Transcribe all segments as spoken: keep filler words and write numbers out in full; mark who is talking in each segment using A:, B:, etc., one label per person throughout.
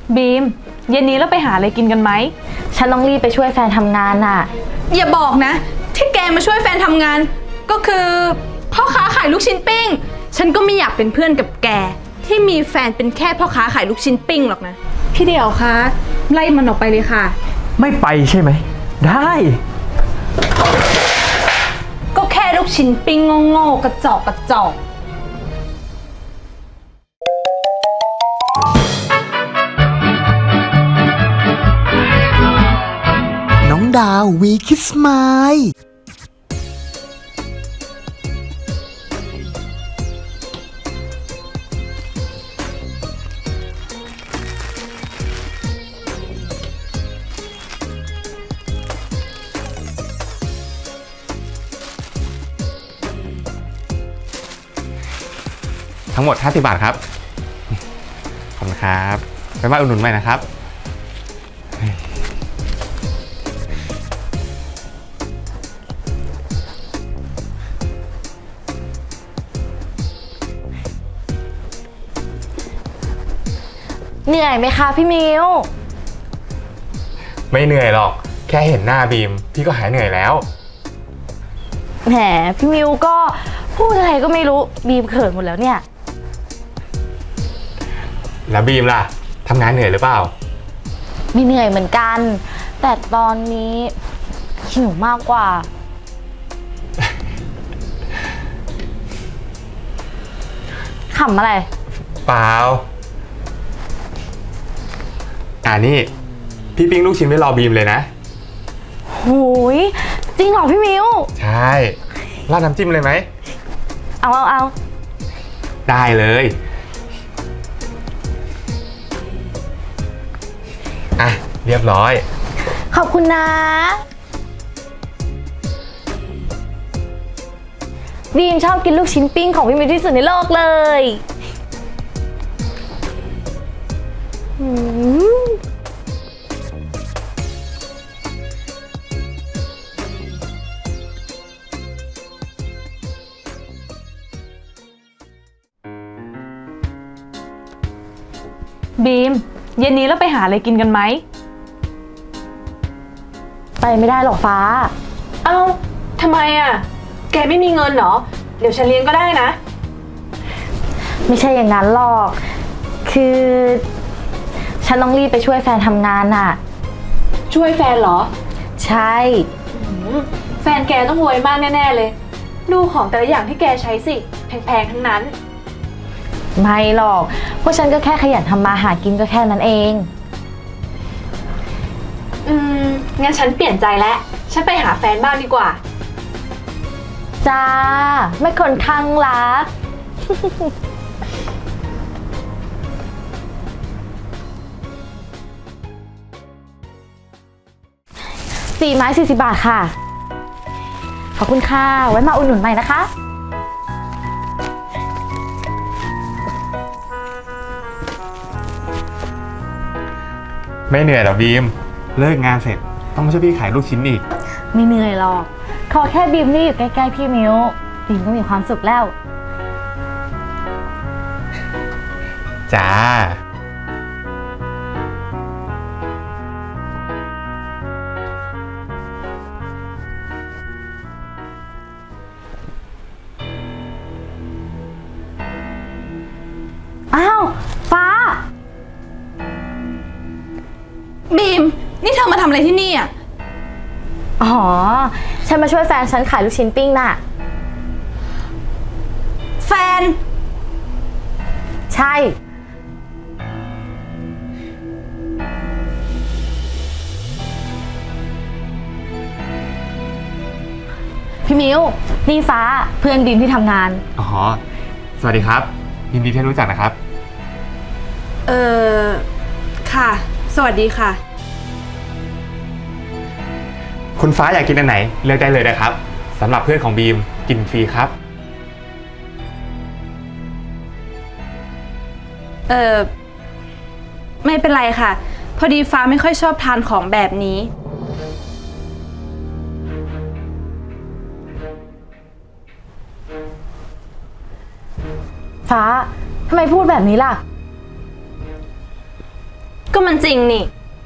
A: บีมเย็นนี้เราไปหาอะไรกินกันไหม
B: ฉันต้องรีบไปช่วยแฟนทำงานน่ะ
C: อย่าบอกนะที่แกมาช่วยแฟนทำงานก็คือพ่อค้าขายลูกชิ้นปิ้งฉันก็ไม่อยากเป็นเพื่อนกับแกที่มีแฟนเป็นแค่พ่อค้าขายลูกชิ้นปิ้งหรอกนะพี่เดี่ยวคะไล่มันออกไปเลยค่ะ
D: ไม่ไปใช่ไหมได้
C: ก็แค่ลูกชิ้นปิ้งโง่ๆกระจอกกระจอก
E: น้องดาววีคิสมาย
F: ทั้งหมดห้าสิบบาทครับขอบคุณครับไปบ้านอุดหนุนใหม่นะครับ
B: เหนื่อยไหมคะพี่มิว
F: ไม่เหนื่อยหรอกแค่เห็นหน้าบีมพี่ก็หายเหนื่อยแล้ว
B: แหมพี่มิวก็พูดอะไรก็ไม่รู้บีมเขินหมดแล้วเนี่ย
F: แล้วบีมล่ะทำงานเหนื่อยหรือเปล่า
B: ไม่เหนื่อยเหมือนกันแต่ตอนนี้หิวมากกว่าขำอะไร
F: เปล่าอ่านี่พี่ปิ้งลูกชิ้นไว้รอบีมเลยนะ
B: หูยจริงเหรอพี่มิว
F: ใช่ราดน้ำจิ้มเลยไหม
B: เอาเอาเอา
F: ได้เลยอ่ะเรียบร้อย
B: ขอบคุณนะบีมชอบกินลูกชิ้นปิ้งของพี่มิวที่สุดในโลกเลยอืม
A: บีมเย็นนี้เราไปหาอะไรกินกันไหม
B: ไปไม่ได้หรอกฟ้า
A: เอ้าทำไมอ่ะแกไม่มีเงินเหรอเดี๋ยวฉันเลี้ยงก็ได้นะ
B: ไม่ใช่อย่างนั้นหรอกคือฉันต้องรีบไปช่วยแฟนทำงานน่ะ
A: ช่วยแฟนเหรอ
B: ใช่
A: แฟนแกต้องรวยมากแน่ๆเลยดูของแต่ละอย่างที่แกใช้สิแพงๆทั้งนั้น
B: ไม่หรอกพวกฉันก็แค่ขยันทำมาหากินก็แค่นั้นเอง
A: อืมงั้นฉันเปลี่ยนใจแล้วฉันไปหาแฟนบ้างดีกว่า
B: จ้าไม่คนข้างรักสี่ไม้สี่สิบบาทค่ะขอบคุณค่ะไว้มาอุดหนุนใหม่นะคะ
F: ไม่เหนื่อยหรอบีมเลิกงานเสร็จต้องมาช่วยพี่ขายลูกชิ้นอีก
B: ไม่เหนื่อยหรอกขอแค่บีมนี่อยู่ใกล้ๆพี่มิวบีมก็มีความสุขแล้ว
F: จ้า
B: อ้าวฟ้า
C: บีมนี่เธอมาทำอะไรที่นี่อ่ะ
B: อ๋อฉันมาช่วยแฟนฉันขายลูกชิ้นปิ้งน่ะ
C: แฟน
B: ใช่พี่มิวนี่ฟ้าเพื่อนบีมที่ทำงาน
F: อ๋อสวัสดีครับยินดีที่รู้จักนะครับ
C: เออค่ะสวัสดีค่ะ
F: คุณฟ้าอยากกินอันไหนเลือกได้เลยนะครับสำหรับเพื่อนของบีมกินฟรีครับ
C: เออไม่เป็นไรค่ะพอดีฟ้าไม่ค่อยชอบทานของแบบนี้
B: ฟ้าทำไมพูดแบบนี้ล่ะ
C: ก็มันจริงนี่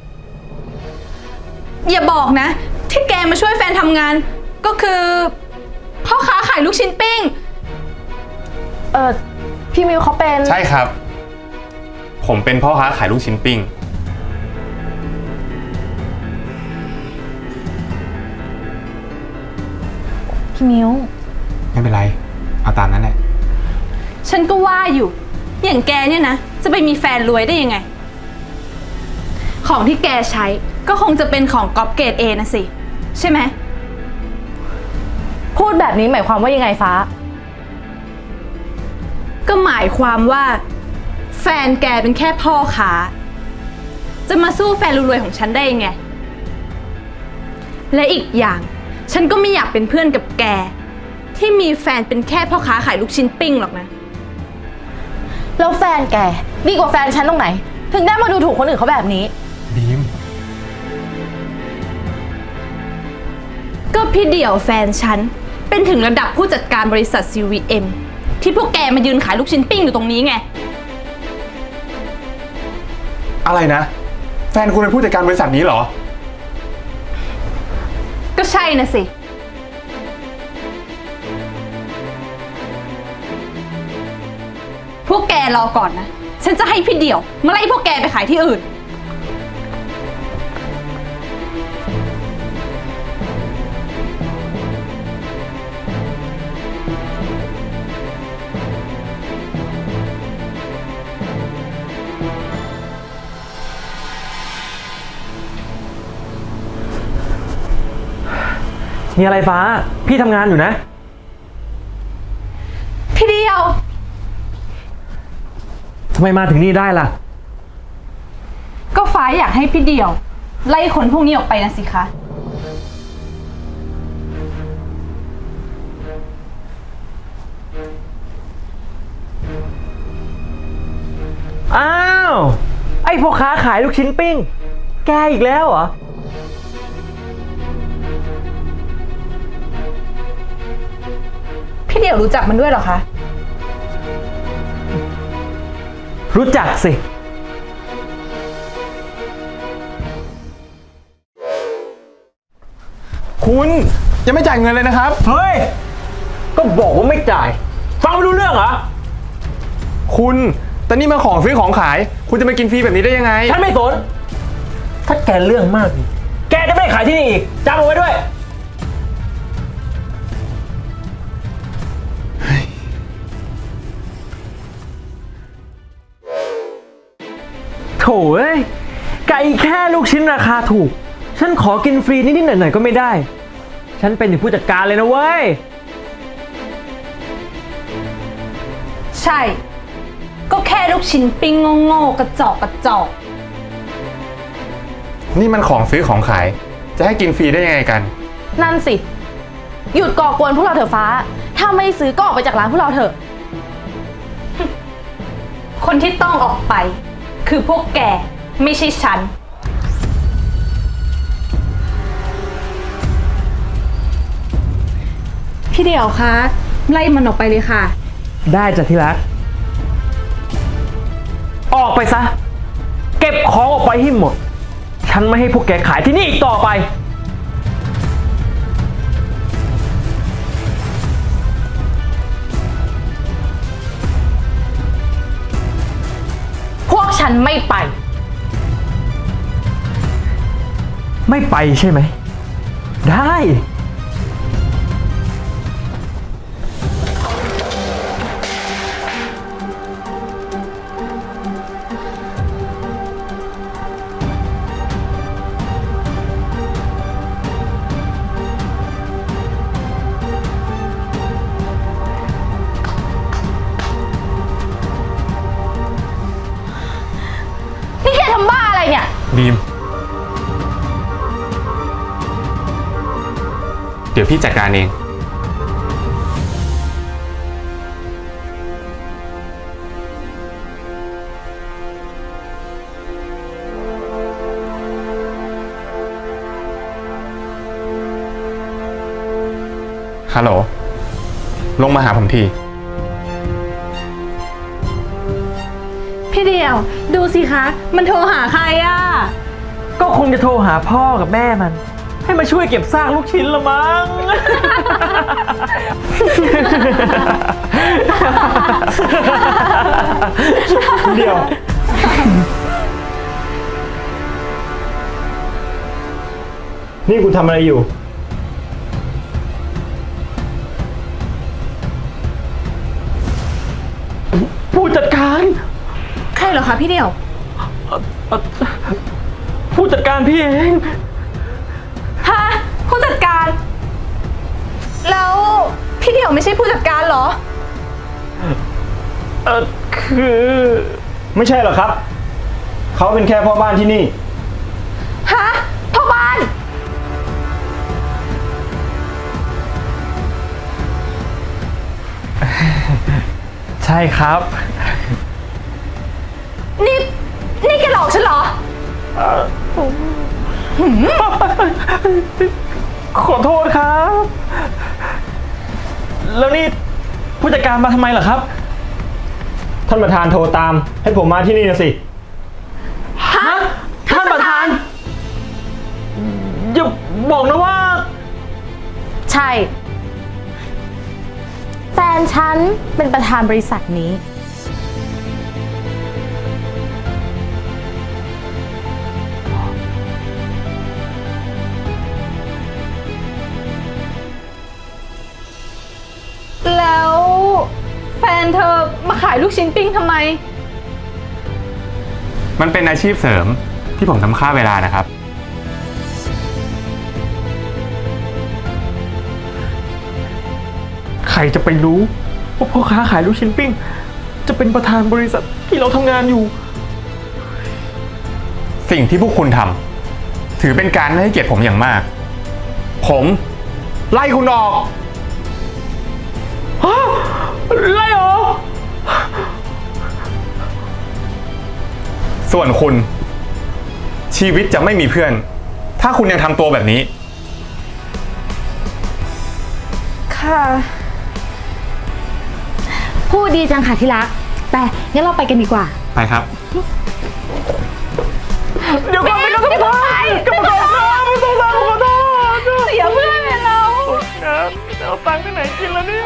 C: อย่าบอกนะ ที่แกมาช่วยแฟนทำงาน ก็คือพ่อค้าขายลูกชิ้นปิ้ง
B: เออพี่มิวเขาเป็น
F: ใช่ครับ ผมเป็นพ่อค้าขายลูกชิ้นปิ้ง
B: พี่มิว
F: ไม่เป็นไร เอาตามนั้นแหละ
C: ฉันก็ว่าอยู่ อย่างแกเนี่ยนะ จะไปมีแฟนรวยได้ยังไง ของที่แกใช้ก็คงจะเป็นของก๊อปเกรดเอนะสิ ใช่ไหม
B: พูดแบบนี้หมายความว่ายังไงฟ้า
C: ก็หมายความว่า แฟนแกเป็นแค่พ่อค้า จะมาสู้แฟนรวยๆของฉันได้ยังไง และอีกอย่าง ฉันก็ไม่อยากเป็นเพื่อนกับแก ที่มีแฟนเป็นแค่พ่อค้าขายลูกชิ้นปิ้งหรอกนะ
B: แล้วแฟนแกดีกว่าแฟนฉันตรงไหน ถึงได้มาดูถูกคนอื่นเขาแบบนี้
F: บีม
C: ก็พี่เดี่ยวแฟนฉัน เป็นถึงระดับผู้จัดการบริษัท ซี วี เอ็ม ที่พวกแกมายืนขายลูกชิ้นปิ้งอยู่ตรงนี้ไง
F: อะไรนะ แฟนคุณเป็นผู้จัดการบริษัทนี้เหรอ
C: ก็ใช่นะสิ พวกแกรอก่อนนะ ฉันจะให้พี่เดี่ยวมาไล่พวกแกไปขายที่อื่น
D: มีอะไรฟ้า พี่ทำงานอยู่นะ
C: พี่เดี่ยว
D: ทำไมมาถึงนี่ได้ล่ะ
C: ก็ฟ้าอยากให้พี่เดี่ยว ไล่คนพวกนี้ออกไปนะสิคะ
D: อ้าว ไอ้พ่อค้าขายลูกชิ้นปิ้ง แกอีกแล้วเหรอ
C: พี่เดี่ยวรู้จักมันด้วยเหรอคะ
D: รู้จักสิ
F: คุณยังไม่จ่ายเงินเลยนะครับ
D: เฮ้ย ก็บอกว่าไม่จ่าย ฟังไม่รู้เรื่องเหรอ
F: คุณแต่นี่มันของซื้อของขาย คุณจะมากินฟรีแบบนี้ได้ยังไง
D: ฉันไม่สน ถ้าแกเรื่องมากอีกแกจะไม่ขายที่นี่อีกจำเอาไว้ด้วย โถ่เอ้ย ไก่แค่ลูกชิ้นราคาถูก ฉันขอกินฟรีนิดๆหน่อยๆก็ไม่ได้ ฉันเป็นถึงผู้จัดการเลยนะเว้ย
C: ใช่ ก็แค่ลูกชิ้นปิ้งโง่ๆกระจอกกระจอก
F: นี่มันของซื้อของขาย จะให้กินฟรีได้ยังไงกัน
B: นั่นสิ หยุดก่อกวนพวกเราเถอะฟ้า ถ้าไม่ซื้อก็ออกไปจากร้านพวกเราเถอะ
C: คนที่ต้องออกไป คือพวกแก ไม่ใช่ฉัน พี่เดี่ยวคะ ไล่มันออกไปเลยค่ะ
D: ได้จ้ะที่รัก ออกไปซะ เก็บของออกไปให้หมด ฉันไม่ให้พวกแกขายที่นี่อีกต่อไป
B: พวกฉันไม่ไป
D: ไม่ไปใช่ไหม ได้
B: นี่แกทำบ้าอะไรเนี่ย
F: บีม เดี๋ยวพี่จัดการเอง ฮัลโหล ลงมาหาผมที
C: พี่พี่เดียว ดูสิคะ มันโทรหาใครอ่ะ
D: ก็คงจะโทรหาพ่อกับแม่มัน ให้มาช่วยเก็บซากลูกชิ้นละมั้ง
G: เดี๋ยว นี่คุณทำอะไรอยู่
D: ผู้จัดการ
C: ใครเหรอคะพี่เดียว
D: ผู้จัดการพี่เอง
C: ฮะ ผู้จัดการ แล้วพี่เดียวไม่ใช่ผู้จัดการเหรอ
D: เออคือ
G: ไม่ใช่หรอครับ เขาเป็นแค่พ่อบ้านที่นี่
C: ฮะ พ่อบ้าน
D: ใช่ครับ
C: นี่ นี่แกหลอกฉันเหรอ
D: ขอโทษครับ แล้วนี่ผู้จัดการมาทำไมเหรอครับ
G: ท่านประธานโทรตาม ให้ผมมาที่นี่นะสิ
D: ฮะ ท่านประธาน อย่าบอกนะว่า
B: ใช่ แฟนฉันเป็นประธานบริษัทนี้
C: แล้วแฟนเธอมาขายลูกชิ้นปิ้งทำไม
F: มันเป็นอาชีพเสริมที่ผมทำค่าเวลานะครับ
D: ใครจะไปรู้ว่าพ่อค้าขายลูกชิ้นปิ้ง จะเป็นประธานบริษัทที่เราทำงานอยู่
F: สิ่งที่พวกคุณทำถือเป็นการไม่ให้เกียรติผมอย่างมาก ผมไล่คุณออก
D: ฮะไล่เหรอ
F: ส่วนคุณชีวิตจะไม่มีเพื่อน ถ้าคุณยังทำตัวแบบนี้
C: ค่ะ
B: พูดดีจังค่ะที่รัก แต่งั้นเราไปกันดีกว่า
F: ไปครับ
D: เดี๋ยวก่อนไปกันกรรมการกรรมการครับไม่ต้องรับขอโทษ
C: เสียเพื่อนเลยเรา
D: ครับจะเอาตังค์ที่ไหนกินแล้วเนี่ย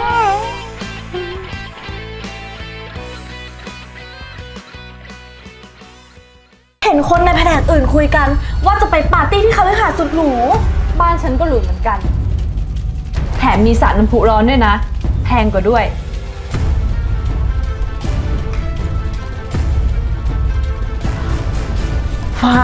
A: เห็นคนในแผนกอื่นคุยกัน ว่าจะไปปาร์ตี้ที่คฤหาสน์สุดหรู
C: บ้านฉันก็หรูเหมือนกัน แถมมีสระน้ำพุร้อนด้วยนะ แพงกว่าด้วย
B: ฟ้า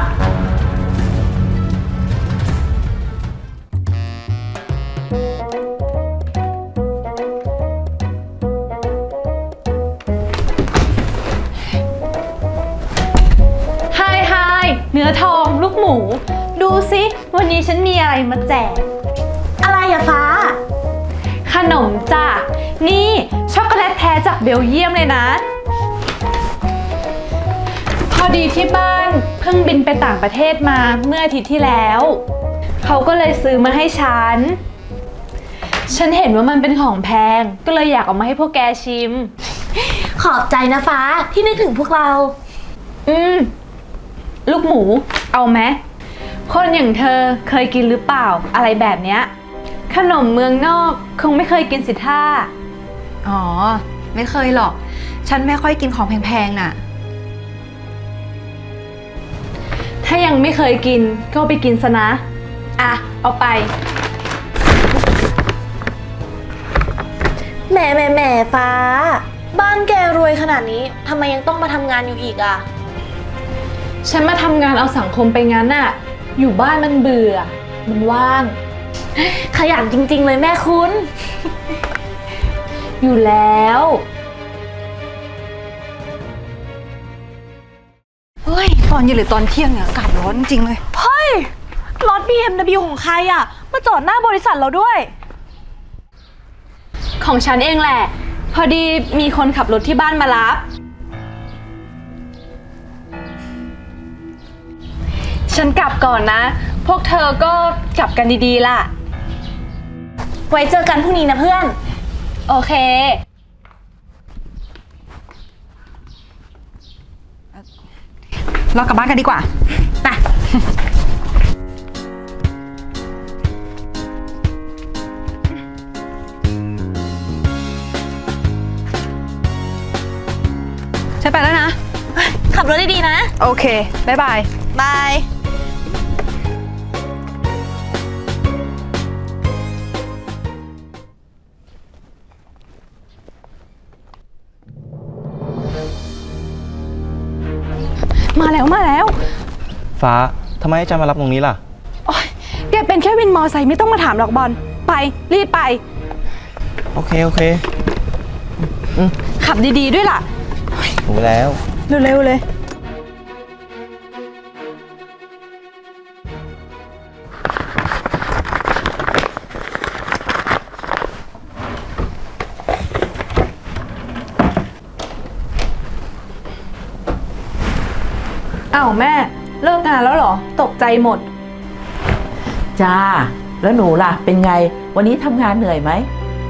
C: ไฮไฮเนื้อทองลูกหมู ดูสิวันนี้ฉันมีอะไรมาแจก
A: อะไรอะฟ้า
C: ขนมจ้ะ นี่ช็อกโกแลตแท้จากเบลเยียมเลยนะ พอดีที่บ้านเพิ่งบินไปต่างประเทศมาเมื่ออาทิตย์ที่แล้ว เขาก็เลยซื้อมาให้ฉัน ฉันเห็นว่ามันเป็นของแพง ก็เลยอยากเอามาให้พวกแกชิม
A: ขอบใจนะฟ้าที่นึกถึงพวกเรา
C: อืม ลูกหมู เอาไหมคนอย่างเธอเคยกินหรือเปล่าอะไรแบบเนี้ย ขนมเมืองนอกคงไม่เคยกินสิท่า
H: อ๋อ ไม่เคยหรอก ฉันไม่ค่อยกินของแพงๆน่ะ
C: ถ้ายังไม่เคยกินก็ไปกินซะนะ อ่ะ เอาไป
A: แหมแหมแหมฟ้า บ้านแกรวยขนาดนี้ทำไมยังต้องมาทำงานอยู่อีกอะ
C: ฉันมาทำงานเอาสังคมไปงั้นน่ะ อยู่บ้านมันเบื่อ มันว่าง
A: ขยันจริงๆเลยแม่คุณ
C: อยู่แล้ว
H: เฮ้ย ตอนเย็นหรือตอนเที่ยงเนี่ยอากาศร้อนจริงเลย
A: เฮ้ย รถ บี เอ็ม ดับเบิลยู ของใครอะมาจอดหน้าบริษัทเราด้วย
C: ของฉันเองแหละ พอดีมีคนขับรถที่บ้านมารับ ฉันกลับก่อนนะ พวกเธอก็กลับกันดีๆล่ะ
A: ไว้เจอกันพรุ่งนี้นะเพื่อน
C: โอเค
H: เรากลับบ้านกันดีกว่า ไป ฉันไปแล้วนะ
B: ขับรถดีๆนะ
C: โอเค บ๊ายบาย
B: บาย
C: มาแล้วมาแล้ว
G: ฟ้าทำไมจะมารับตรงนี้ล่ะ
C: โอ๊ยแกเป็นแค่วินมอไซค์ไม่ต้องมาถามหรอกบอล ไป รีบไป
G: โอเค โอเค
C: ขับดีๆด้วยล่ะ
G: รู้แล้ว
C: เร็วๆเลย อ้าวแม่ เลิกงานแล้วเหรอ ตกใจหมด
I: จ้า แล้วหนูล่ะ เป็นไง วันนี้ทำงานเหนื่อยไหม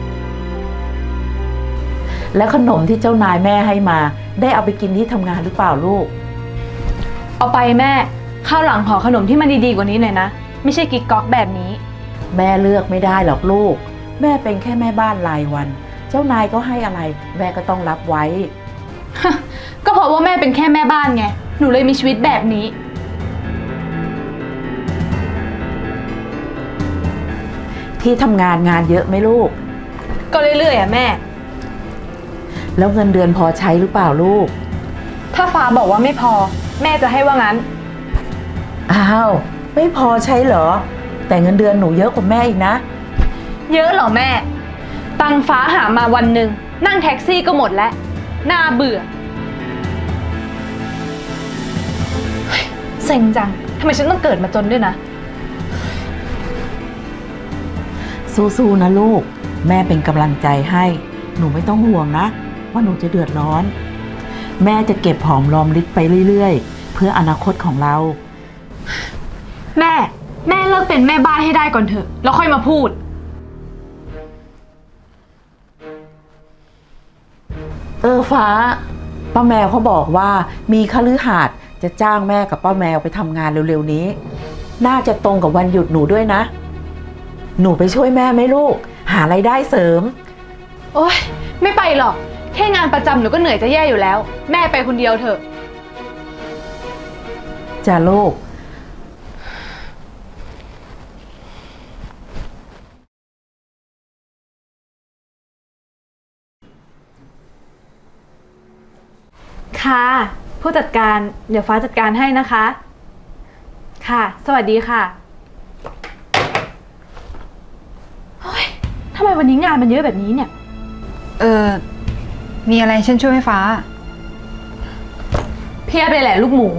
I: แล้วขนมที่เจ้านายแม่ให้มา ได้เอาไปกินที่ทำงานหรือเปล่าลูก
A: เอาไปแม่ข้าวหลังขอขนมที่มันดีๆกว่านี้หน่อยนะ ไม่ใช่กิ๊กก๊อกแบบนี้
I: แม่เลือกไม่ได้หรอกลูก แม่เป็นแค่แม่บ้านรายวัน เจ้านายก็ให้อะไร แม่ก็ต้องรับไว้
A: ก็เพราะว่าแม่เป็นแค่แม่บ้านไง หนูเลยมีชีวิตแบบนี้
I: ที่ทำงานงานเยอะไหมลูก
A: ก็เรื่อยๆอ่ะแม่
I: แล้วเงินเดือนพอใช้หรือเปล่าลูก
A: ถ้าฟ้าบอกว่าไม่พอ แม่จะให้ว่างั้น
I: อ้าว ไม่พอใช้เหรอ แต่เงินเดือนหนูเยอะกว่าแม่อีกนะ
A: เยอะเหรอแม่ ตังฟ้าหามาวันหนึ่งนั่งแท็กซี่ก็หมดแล้ว น่าเบื่อเฮ้ยเซ็งจังทำไมฉันต้องเกิดมาจนด้วยนะ
I: สู้ๆนะลูก แม่เป็นกำลังใจให้ หนูไม่ต้องห่วงนะ ว่าหนูจะเดือดร้อน แม่จะเก็บหอมรอมริบไปเรื่อยๆ เพื่ออนาคตของเรา
A: แม่ แม่เลิกเป็นแม่บ้านให้ได้ก่อนเถอะ แล้วค่อยมาพูด
I: เออฟ้า ป้าแมวเขาบอกว่ามีคฤหาสน์จะจ้างแม่กับป้าแมวไปทำงานเร็วๆนี้ น่าจะตรงกับวันหยุดหนูด้วยนะ หนูไปช่วยแม่ไหมลูก หารายได้เสริม
A: โอ๊ย ไม่ไปหรอก แค่งานประจำหนูก็เหนื่อยจะแย่อยู่แล้ว แม่ไปคนเดียวเถอะ
I: จ้าลูก
A: ค่ะ ผู้จัดการ เดี๋ยวฟ้าจัดการให้นะคะ ค่ะ สวัสดีค่ะเฮ้ยทำไมวันนี้งานมันเยอะแบบนี้เนี่ย
H: เออ มีอะไรฉันช่วยไหมฟ้า
A: เพียบเลยแหละลูกหมู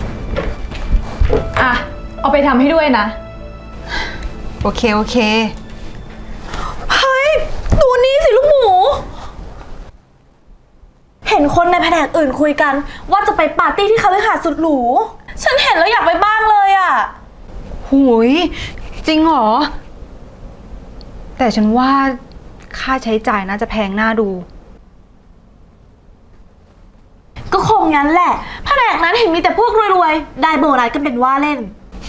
A: อ่ะ เอาไปทำให้ด้วยนะ
H: โอเค โอเค
B: เฮ้ย ดูนี่สิลูกหมู เห็นคนในแผนกอื่นคุยกัน ว่าจะไปปาร์ตี้ที่คฤหาสน์สุดหรู ฉันเห็นแล้วอยากไปบ้างเลยอ่ะ
H: หุยจริงเหรอ แต่ฉันว่าค่าใช้จ่ายน่าจะแพงน่าดู
B: ก็คงงั้นแหละ แผนกนั้นเห็นมีแต่พวกรวยๆ ได้โบนัสกันเป็นว่าเล่น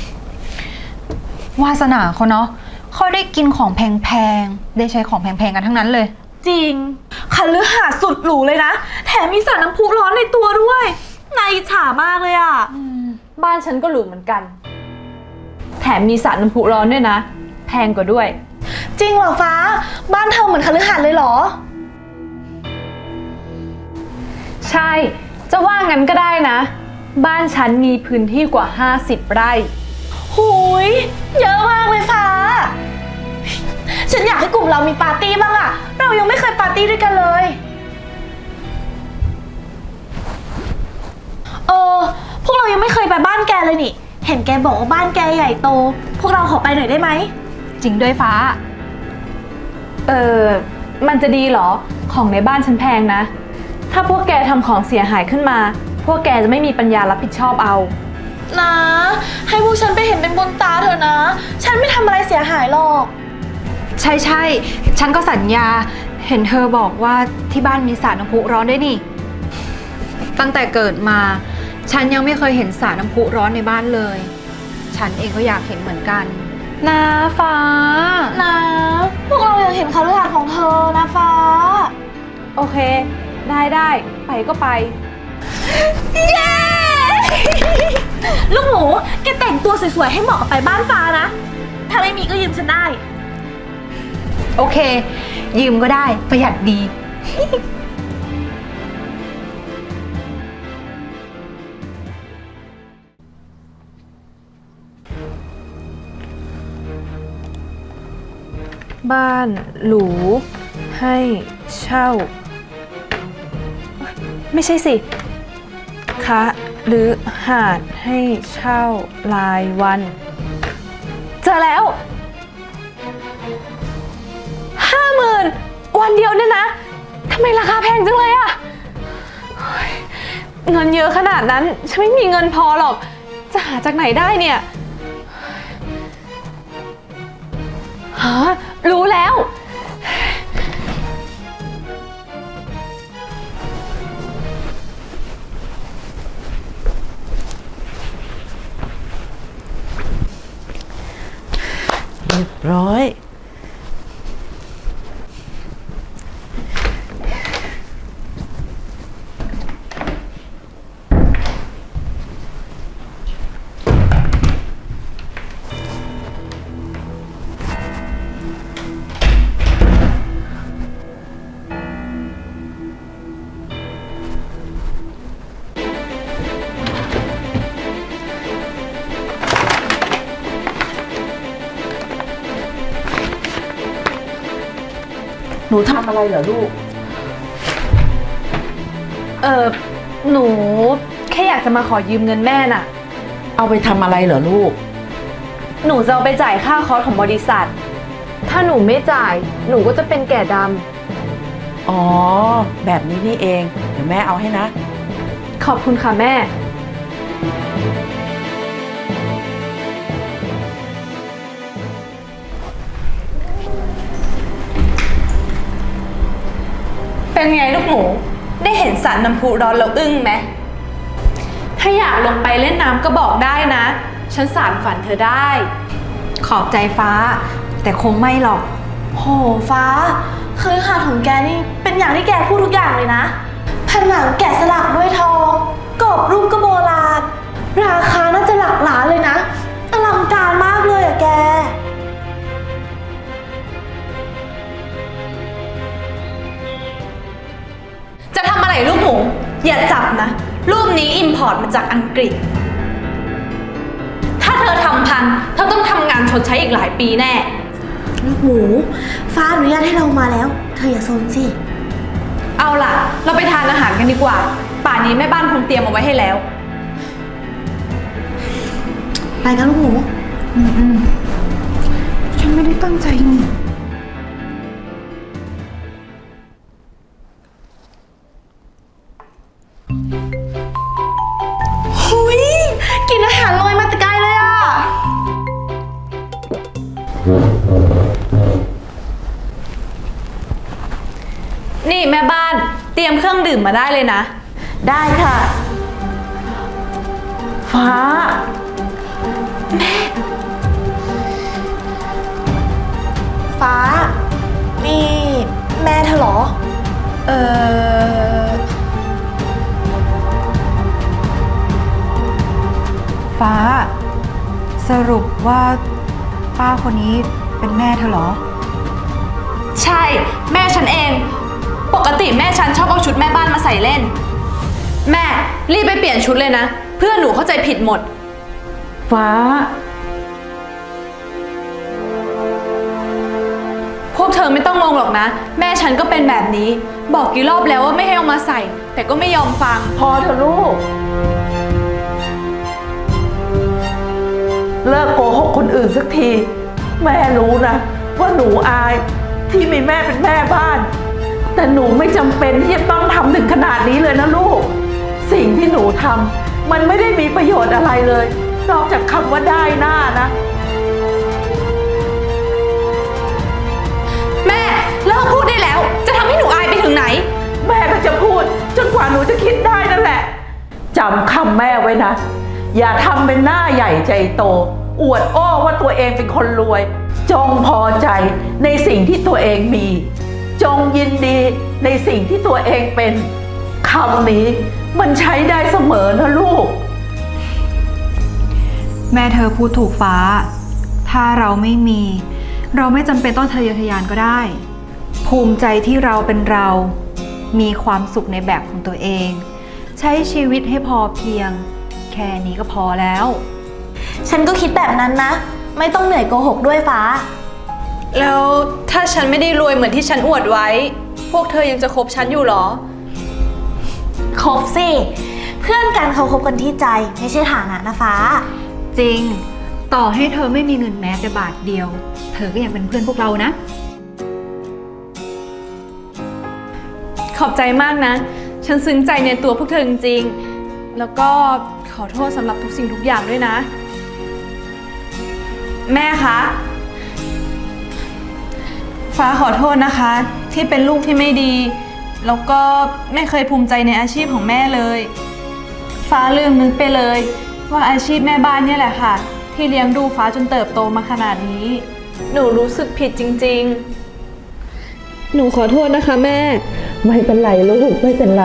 H: วาสนาเขาเนาะเขาได้กินของแพงๆ ได้ใช้ของแพงๆ กันทั้งนั้นเลย
B: จริงคฤหาสน์สุดหรูเลยนะ แถมมีสระน้ำพุร้อนในตัวด้วยน่าอิจฉามากเลยอ่ะ
A: บ้านฉันก็หรูเหมือนกัน แถมมีสระน้ำพุร้อนด้วยนะ แพงกว่าด้วย
B: จริงเหรอฟ้า บ้านเธอเหมือนคฤหาสน์เลยเหรอ
A: ใช่ จะว่างั้นก็ได้นะ บ้านฉันมีพื้นที่กว่าห้าสิบไร่
B: หูย เยอะมากเลยฟ้า ฉันอยากให้กลุ่มเรามีปาร์ตี้บ้างอะเรายังไม่เคยปาร์ตี้ด้วยกันเลย เออ พวกเรายังไม่เคยไปบ้านแกเลยนี่ เห็นแกบอกว่าบ้านแกใหญ่โต พวกเราขอไปหน่อยได้ไหม
H: จริงด้วยฟ้า
A: เออ มันจะดีเหรอ ของในบ้านฉันแพงนะ ถ้าพวกแกทำของเสียหายขึ้นมา พวกแกจะไม่มีปัญญารับผิดชอบเอา
B: นะ ให้พวกฉันไปเห็นเป็นบุญตาเถอะนะ ฉันไม่ทำอะไรเสียหายหรอก
H: ใช่ใช่ฉันก็สัญญา เห็นเธอบอกว่าที่บ้านมีสระน้ำพุร้อนด้วยนี่ ตั้งแต่เกิดมาฉันยังไม่เคยเห็นสระน้ำพุร้อนในบ้านเลย ฉันเองก็อยากเห็นเหมือนกัน
A: นะฟ้า
B: นะ พวกเราอยากเห็นคฤหาสน์ของเธอนะฟ้า
A: โอเค ได้ได้ไปก็ไป
B: เย้ ลูกหมูแกแต่งตัวสวยๆให้เหมาะกับไปบ้านฟ้านะ ถ้าไม่มีก็ยืมฉันได้
H: โอเค ยืมก็ได้ประหยัดดี
A: บ้านหรูให้เช่า ไม่ใช่สิคะหรือหาดให้เช่ารายวัน เจอแล้วห้าหมื่นวันเดียวเนี่ยนะทำไมราคาแพงจังเลยอะเฮ้ยเงินเยอะขนาดนั้นฉันไม่มีเงินพอหรอก จะหาจากไหนได้เนี่ยฮะรู้แล้ว
I: เรียบร้อย หนูทำอะไรเหรอลูก
A: เออหนูแค่อยากจะมาขอยืมเงินแม่น่ะ
I: เอาไปทำอะไรเหรอลูก
A: หนูจะเอาไปจ่ายค่าคอร์สของบริษัท ถ้าหนูไม่จ่าย หนูก็จะเป็นแก่ด
I: อ๋อ แบบนี้นี่เอง เดี๋ยวแม่เอาให้นะ
A: ำขอบคุณค่ะแม่ เป็นไงลูกหมู ได้เห็นสระน้ำพุร้อนแล้วอึ้งไหม ถ้าอยากลงไปเล่นน้ำก็บอกได้นะ ฉันสานฝันเธอได้
H: ขอบใจฟ้า แต่คงไม่หรอก
B: โหฟ้าคฤหาสน์ของแกนี่เป็นอย่างที่แกพูดทุกอย่างเลยนะผนังแกะสลักด้วยทองกรอบรูปก็โบราณ ราคาน่าจะหลักล้านเลยนะ อลังการมากเลยอะแก
A: จะทำอะไรลูกหมู อย่าจับนะ รูปนี้อิมพอร์ตมาจากอังกฤษ ถ้าเธอทำพังเธอต้องทำงานชดใช้อีกหลายปีแน่
B: ลูกหมู ฟ้าอนุญาตให้เรามาแล้ว เธออย่าโซนสิ
A: เอาล่ะ เราไปทานอาหารกันดีกว่า ป่านนี้แม่บ้านคงเตรียมเอาไว้ให้แล้ว
B: ไปกันลูกหมู
H: ฉันไม่ได้ตั้งใจนี่
B: หุยกินอาหารลอยมาแต่ไกลเลยอะ
A: นี่แม่บ้านเตรียมเครื่องดื่มมาได้เลยนะ
I: ได้ค่ะ ฟ้า
B: ฟ้า นี่แม่เธอเหรอ
H: เออฟ้า สรุปว่าป้าคนนี้เป็นแม่เธอเหรอ
A: ใช่ แม่ฉันเอง ปกติแม่ฉันชอบเอาชุดแม่บ้านมาใส่เล่น แม่รีบไปเปลี่ยนชุดเลยนะ เพื่อนหนูเข้าใจผิดหมด
I: ฟ้า
A: พวกเธอไม่ต้องงงหรอกนะ แม่ฉันก็เป็นแบบนี้ บอกกี่รอบแล้วว่าไม่ให้เอามาใส่ แต่ก็ไม่ยอมฟัง
I: พอเถอะลูก เลิกโกหกคนอื่นสักที แม่รู้นะ ว่าหนูอายที่มีแม่เป็นแม่บ้าน แต่หนูไม่จำเป็นที่จะต้องทำถึงขนาดนี้เลยนะลูก สิ่งที่หนูทำมันไม่ได้มีประโยชน์อะไรเลย นอกจากคำว่าได้หน้านะ
A: แม่เลิกพูดได้แล้ว จะทำให้หนูอายไปถึงไหน
I: แม่ก็จะพูดจนกว่าหนูจะคิดได้นั่นแหละ จจำคำแม่ไว้นะ อย่าทำเป็นหน้าใหญ่ใจโต อวดอ้อว่าตัวเองเป็นคนรวย จงพอใจในสิ่งที่ตัวเองมี จงยินดีในสิ่งที่ตัวเองเป็นคำนี้มันใช้ได้เสมอนะลูก
H: แม่เธอพูดถูกฟ้า ถ้าเราไม่มี เราไม่จำเป็นต้องทะเยอทะยานก็ได้ ภูมิใจที่เราเป็นเรา มีความสุขในแบบของตัวเอง ใช้ชีวิตให้พอเพียง แค่นี้ก็พอแล้ว
B: ฉันก็คิดแบบนั้นนะ ไม่ต้องเหนื่อยโกหกด้วยฟ้า
C: แล้วถ้าฉันไม่ได้รวยเหมือนที่ฉันอวดไว้ พวกเธอยังจะคบฉันอยู่เหรอ
B: คบสิ เพื่อนกันเขาคบกันที่ใจ ไม่ใช่ฐานะนะฟ้า
H: จริง ต่อให้เธอไม่มีเงินแม้แต่บาทเดียว เธอก็ยังเป็นเพื่อนพวกเรานะ
C: ขอบใจมากนะ ฉันซึ้งใจในตัวพวกเธอจริงๆ แล้วก็ขอโทษสำหรับทุกสิ่งทุกอย่างด้วยนะ แม่คะ ฟ้าขอโทษนะคะ ที่เป็นลูกที่ไม่ดี แล้วก็ไม่เคยภูมิใจในอาชีพของแม่เลย ฟ้าลืมนึกไปเลย ว่าอาชีพแม่บ้านเนี่ยแหละค่ะ ที่เลี้ยงดูฟ้าจนเติบโตมาขนาดนี้ หนูรู้สึกผิดจริงๆ หนูขอโทษนะคะแม่
I: ไม่เป็นไรลูกไม่เป็นไร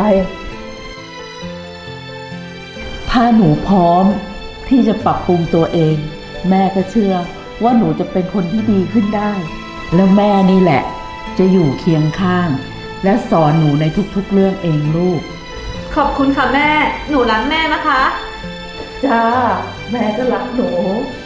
I: ถ้าหนูพร้อมที่จะปรับปรุงตัวเอง แม่ก็เชื่อว่าหนูจะเป็นคนที่ดีขึ้นได้ แล้วแม่นี่แหละ จะอยู่เคียงข้าง และสอนหนูในทุกๆเรื่องเองลูก
C: ขอบคุณค่ะแม่ หนูรักแม่นะคะ
I: จ้า แม่ก็รักหนู
C: ค